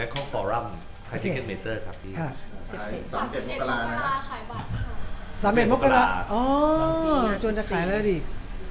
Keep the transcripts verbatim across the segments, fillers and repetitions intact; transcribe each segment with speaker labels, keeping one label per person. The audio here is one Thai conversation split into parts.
Speaker 1: Bangkok Forum ไทยทิเก็ตเมเจอร์ครับพี่
Speaker 2: สามสิบเอ็ดมกราขายบัตรค่ะ
Speaker 3: สามเอ็ดมกราอ๋อจนจะขายแล้วดิ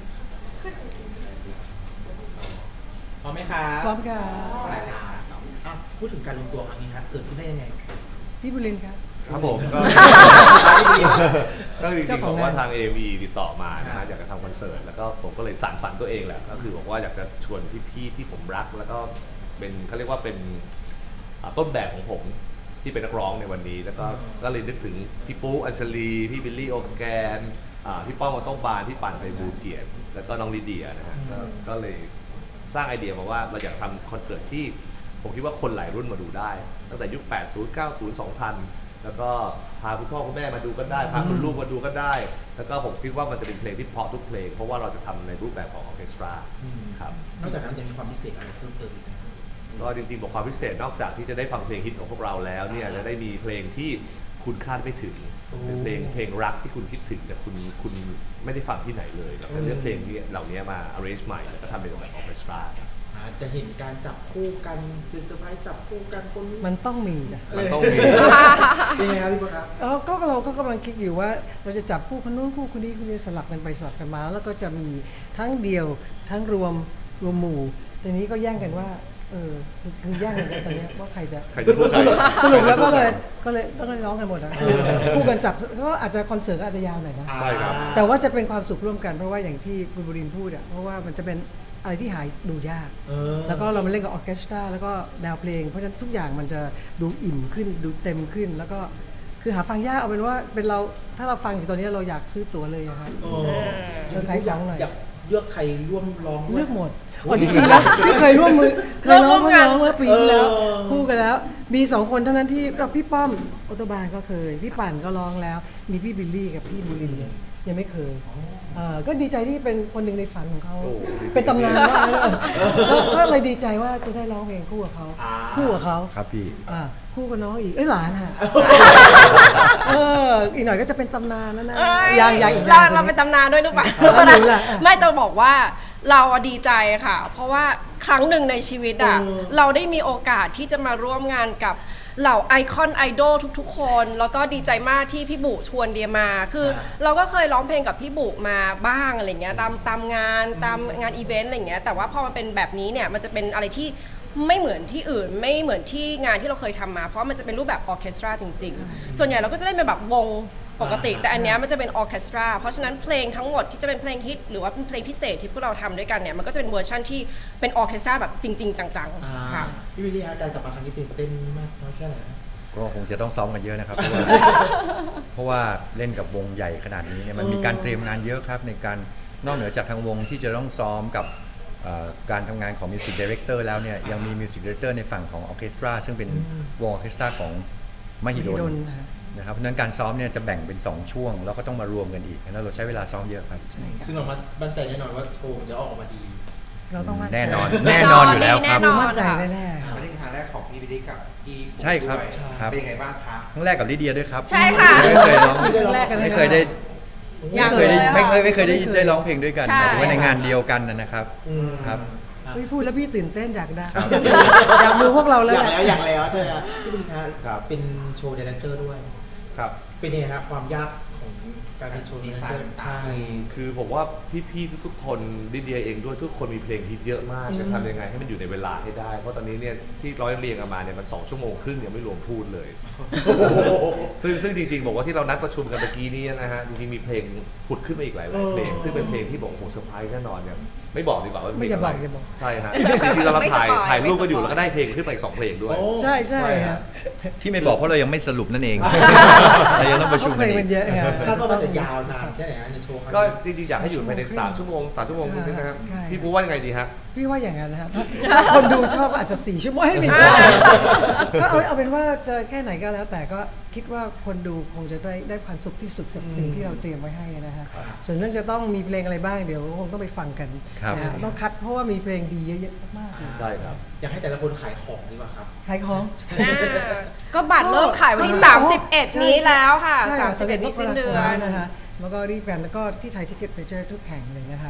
Speaker 4: พร้อมไหมครับ
Speaker 3: พร้อมค่ะ
Speaker 4: พูดถึงการรวมตัวครั้งนี้ครับเกิดขึ้นได้ยังไง
Speaker 3: พี่บุรินทร์ครับ
Speaker 1: ครับผมก็ก็จริงๆบอกว่าทาง เอ เอ็ม อี ติดต่อมานะฮะอยากจะทำคอนเสิร์ตแล้วก็ผมก็เลยสานฝันตัวเองแหละก็คือบอกว่าอยากจะชวนพี่ๆที่ผมรักแล้วก็เป็นเขาเรียกว่าเป็นต้นแบบของผมที่เป็นนักร้องในวันนี้แล้วก็ก็เลยนึกถึงพี่ปุ๊อัญชลีพี่บิลลี่โอแกนพี่ป้องมาต้องบานพี่ปั่นไพบูลย์เกียรติแล้วก็น้องลิเดียนะฮะก็เลยสร้างไอเดียมาว่าเราอยากทำคอนเสิร์ตที่ผมคิดว่าคนหลายรุ่นมาดูได้ตั้งแต่ยุคแปดสิบ เก้าสิบ สองพันแล้วก็พาคุณพ่อคุณแม่มาดูก็ได้พาคุณลูกมาดูก็ได้แล้วก็ผมคิดว่ามันจะเป็นเพลงที่เพราะทุกเพลงเพราะว่าเราจะทำในรูปแบบของออร์เคสตราครับ
Speaker 4: นอกจากนั้นจะมีความพิเศษอะไรเพิ่มเติมอีกไหม
Speaker 1: ก็จริงๆบอกความพิเศษนอกจากที่จะได้ฟังเพลงฮิตของพวกเราแล้วเนี่ยจะได้มีเพลงที่คุณคาดไม่ถึงเป็นเพลงเพลงรักที่คุณคิดถึงแต่คุณคุณไม่ได้ฟังที่ไหนเลยเราจะเลือกเพลงที่เหล่านี้มา arrange ใหม่แล้วก็ทำเป็นแบบออร์เคสตรา
Speaker 4: จะเห็นการจับคู่กันเป็นเซอร์ไพรส์จับคู่กันคน
Speaker 3: มันต้องมีนะ
Speaker 1: มันต้องมี
Speaker 4: เป็นไงครับพี่ปุ๊ครับ
Speaker 3: เออก็เราก็กำลังคิดอยู่ว่าเราจะจับคู่คนนู้นคู่คนนี้คนนี้สลับกันไปสลับกันมาแล้วก็จะมีทั้งเดี่ยวทั้งรวมรวมหมู่ทีนี้ก็แย่งกันว่าเออคือแย่งกันตอนนี้ว่าใครจะสรุปสรุปแล้วก็เลยก็เลยต้องร้องกันหมดนะคู่กันจับก็อาจจะคอนเสิร์ตก็อาจจะยาวหน่อยนะ
Speaker 1: ใช่ครับ
Speaker 3: แต่ว่าจะเป็นความสุขร่วมกันเพราะว่าอย่างที่คุณบุรินทร์พูดอ่ะเพราะว่ามันจะเป็นอะไรที่หายดูยากแล้วก็เรามาเล่นกับออร์เคสตราแล้วก็แนวเพลงเพราะฉะนั้นทุกอย่างมันจะดูอิ่มขึ้นดูเต็มขึ้นแล้วก็คือหาฟังยากเอาเป็นว่าเป็นเราถ้าเราฟังอยู่ตอนนี้เราอยากซื้อตั๋วเลยครับเชิญใครร้องหน่อย
Speaker 4: อยากเลือกใครร่วมร้อง
Speaker 3: เลือกหมดอ๋อจริงๆแล้วพี่เคยร่วมมือเคยร้องเมื่อร้องเมื่อปีที่แล้วคู่กันแล้วมีสองคนเท่านั้นที่พี่ป้อมออโตบานก็เคยพี่ปั่นก็ร้องแล้วมีพี่บิลลี่กับพี่บุรินทร์ยังไม่เคยก็ดีใจที่เป็นคนหนึ่งในฝันของเขาเป็นตำนานมากก็เลยดีใจว่าจะได้ร้องเพลงคู่กับเขาคู่กับเขา
Speaker 1: ครับพี่
Speaker 3: คู่กับน้องอีกเอ้ยหลานค่ะเอออีกหน่อยก็จะเป็นตำนานแล้วนะยังยังอีก
Speaker 5: เราเราเป็นตำนานด้วยหรือเปล่าไม่ต้องบอกว่าเราดีใจค่ะเพราะว่าครั้งหนึ่งในชีวิตอ่ะเราได้มีโอกาสที่จะมาร่วมงานกับเหล่าไอคอนไอดอลทุกๆคนแล้วก็ดีใจมากที่พี่บุชวนเดียมาคือเราก็เคยร้องเพลงกับพี่บุมาบ้างอะไรเงี้ยตามตามงานตามงานอีเวนต์อะไรเงี้ยแต่ว่าพอมันเป็นแบบนี้เนี่ยมันจะเป็นอะไรที่ไม่เหมือนที่อื่นไม่เหมือนที่งานที่เราเคยทำมาเพราะมันจะเป็นรูปแบบออร์เคสตราจริงๆส่วนใหญ่เราก็จะได้เป็นแบบวงปกติแต่อันนี้มันจะเป็นออร์เคสตราเพราะฉะนั้นเพลงทั้งหมดที่จะเป็นเพลงฮิตหรือว่าเป็นเพลงพิเศษที่พวกเราทำด้วยกันเนี่ยมันก็จะเป็นเวอร์ชั่นที่เป็นออร์เคสตราแบบจริงๆจังๆค่ะ
Speaker 4: พี่วิลลี่ฮะการกลับมาครั้งนี้ตื่นเต้นมากน้อยแค่ไหน
Speaker 6: ก็คงจะต้องซ้อมกันเยอะนะครับ เพราะว่าเล่นกับวงใหญ่ขนาดนี้เนี่ยมันมีการเตรียมงานเยอะครับในการนอกเหนือจากทางวงที่จะต้องซ้อมกับการทำงานของมิวสิกดีเรคเตอร์แล้วเนี่ยยังมีมิวสิกดีเรคเตอร์ในฝั่งของออร์เคสตราซึ่งเป็นวงออร์เคสตราของมหิดลนะครับเพราะฉะนั้นการซ้อมเนี่ยจะแบ่งเป็นสองช่วงแล้วก็ต้องมารวมกันอีกแล้วเราใช้เวลาซ้อมเยอะครับ
Speaker 4: ซึ่งเรามั่นใจแน่นอนว่าโชว์จะออกมาดี
Speaker 3: เราต้องมั่นใจ
Speaker 6: แน่นอนแน่นอนอยู่แล้วครับ
Speaker 3: มั่นใจแน่ๆ
Speaker 7: ไม่ได้ครั้งแรกของพี่วิลลี่กับพี่
Speaker 6: ใช่ครับ
Speaker 7: เป็นยังไงบ้างครับ
Speaker 6: ครั้งแรกกับลิเดียด้วยครับ
Speaker 5: ใช่ค่ะ
Speaker 6: ไม่เคยร้องไม่เคยได้ไม่เคยได้ไม่ไม่เคยได้ได้ร้องเพลงด้วยกันหมายถึงว่าในงานเดียวกันนะครับครับ
Speaker 3: พี่พูดแล้วพี่ตื่นเต้นอยากได้อยากดูพวกเราแล้ว
Speaker 4: อยากแล้วอยากแล้วใช่ไหมครับพี่บุญครับเป็นโชว์ดีเรคเตอร์ด้วย
Speaker 1: ครับ
Speaker 4: เป็นยังไงครับความยากของการเป็นโชว์ดีไซน์
Speaker 1: ใช่คือผมว่าพี่ๆทุกๆคนลิเดียเองด้วยทุกคนมีเพลงฮิตเยอะมากจะทำยังไงให้มันอยู่ในเวลาให้ได้เพราะตอนนี้เนี่ยที่ร้อยเรียงกันมาเนี่ยมันสองชั่วโมงครึ่งยังไม่รวมพูดเลยซึ่งซึ่งจริงๆบอกว่าที่เรานัดประชุมกันเมื่อกี้นี้นะฮะจริงๆมีเพลงผุดขึ้นมาอีกหลายเพลงซึ่งเป็นเพลงที่บอกโหเซอร์ไพรส์แน่นอนเนี่ยไม่บอกดีกว่าว่า
Speaker 3: ไม่จะบอกจะ
Speaker 1: บอกใช่ฮะจริงๆเราถ่ายถ่ายรูปก็อยู่แล้วก็ได้เพลงขึ้นไปอีกสองเพลงด้วย
Speaker 3: ใช่ใช่ฮะ
Speaker 6: ที่ไม่บอกเพราะเรายังไม่สรุปนั่นเองเรายังต้องประชุมกันอีก
Speaker 4: คาดว่ามันจะยาวนานแค่ไหนในโชว์
Speaker 1: ก็จริงๆอยากให้อยู่ภายในสามชั่วโมงสามชั่วโมงครึ่งนะครับพี่ปูว่ายังไงดีฮะ
Speaker 3: พี่ว่าอย่างนั้นนะครับคนดูชอบอาจจะสี่ชั่วโมงให้ไม่ใช่ก็เอาเอาเป็นว่าจะแค่ไหนก็แล้วแต่ก็คิดว่าคนดูคงจะได้ได้ความสุขที่สุดกับสิ่งที่เราเตรียมไว้ให้นะฮะส่วนเรื่องจะต้องมีเพลงอะไรบ้างเดี๋ยวคงต้องไปฟังกันนะต้องคัดเพราะว่ามีเพลงดีเยอะๆมาก
Speaker 1: ใช่ครับ
Speaker 4: อยากให้แต่ละคนขายของดีกว่าครับ
Speaker 3: ขายของ
Speaker 5: ก็บัตรเริ่มขายวันที่สามสิบเอ็ดนี้แล้วค่ะสามสิบเอ็ดนี้สิ้นเดือน
Speaker 3: นะคะแล้วก็รีบกันแล้วก็ที่ไทยทิเก็ตเมเจอร์ทุกแห่งเลยนะคะ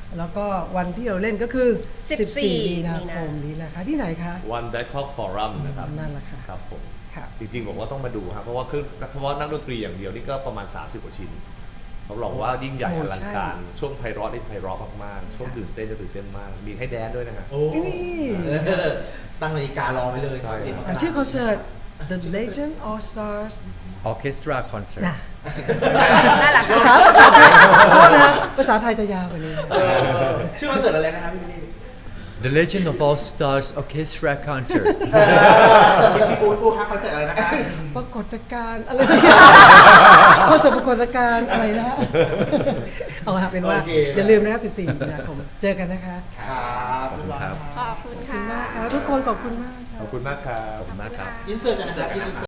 Speaker 3: แล้วก็วันที่เราเล่นก็คือ
Speaker 5: สิบสี่
Speaker 3: สิบสี่ มีนาคมนี้นะคะ ที่ไหนคะ
Speaker 1: วัน Bangkok Forum นะครับ
Speaker 3: นั่นแหละค่ะ
Speaker 1: ครับผม
Speaker 3: ค่ะ
Speaker 1: จริงๆผมว่าต้องมาดูครับเพราะว่าคือเฉพาะนักดนตรีอย่างเดียวนี่ก็ประมาณ สามสิบ กว่าชิ้นเขาบอกว่ายิ่งใหญ่
Speaker 3: โอ้
Speaker 1: อลัง
Speaker 3: ใช่
Speaker 1: การช่วงไพเราะนี่ไพเราะมากๆช่วงตื่นเต้นจะตื่นเต้นมาก มีให้แดนด้วยนะฮะ
Speaker 4: โอ้เออตั้งนาฬิการอไว้เลย
Speaker 1: ใช่
Speaker 4: สามสิบมก
Speaker 3: อ่ะ
Speaker 4: รา
Speaker 3: ชื่อคอนเสิร์ต The Legend All Stars
Speaker 6: Orchestra Concert
Speaker 3: นะ
Speaker 5: นั่นแหละ
Speaker 3: ภา
Speaker 5: ค่ะ
Speaker 3: ษาภาษาไทยโทษนะภาษาไทยจะยาวกว่านี้
Speaker 4: เออชื่อคอนเสิร์ตอะไรนะครับพี่บิลลี่
Speaker 6: The Legend of All Stars Orchestra Concert
Speaker 4: เออพี่ปูนปูครับคอนเสิร์ตอะไรนะคะ
Speaker 3: ปรากฏการณ์อะไรสักอย่างคอนเสิร์ตปรากฏการณ์อะไรนะ เอาละเป็นว่า
Speaker 4: โอเค
Speaker 3: อย่าลืมนะคะสิบสี่ มีนาคมเจอกันนะคะ
Speaker 4: ครับ
Speaker 6: ขอบคุณครับ
Speaker 5: ขอบคุณ
Speaker 3: ขอบคุณ
Speaker 5: ค่ะ
Speaker 3: มากค่ะทุกคนขอบคุณมากค่ะ
Speaker 1: ขอบคุณมากครับ
Speaker 6: ขอบคุณมากครับ
Speaker 4: อินเสิร์ตกันนะครับอินเสิร์ต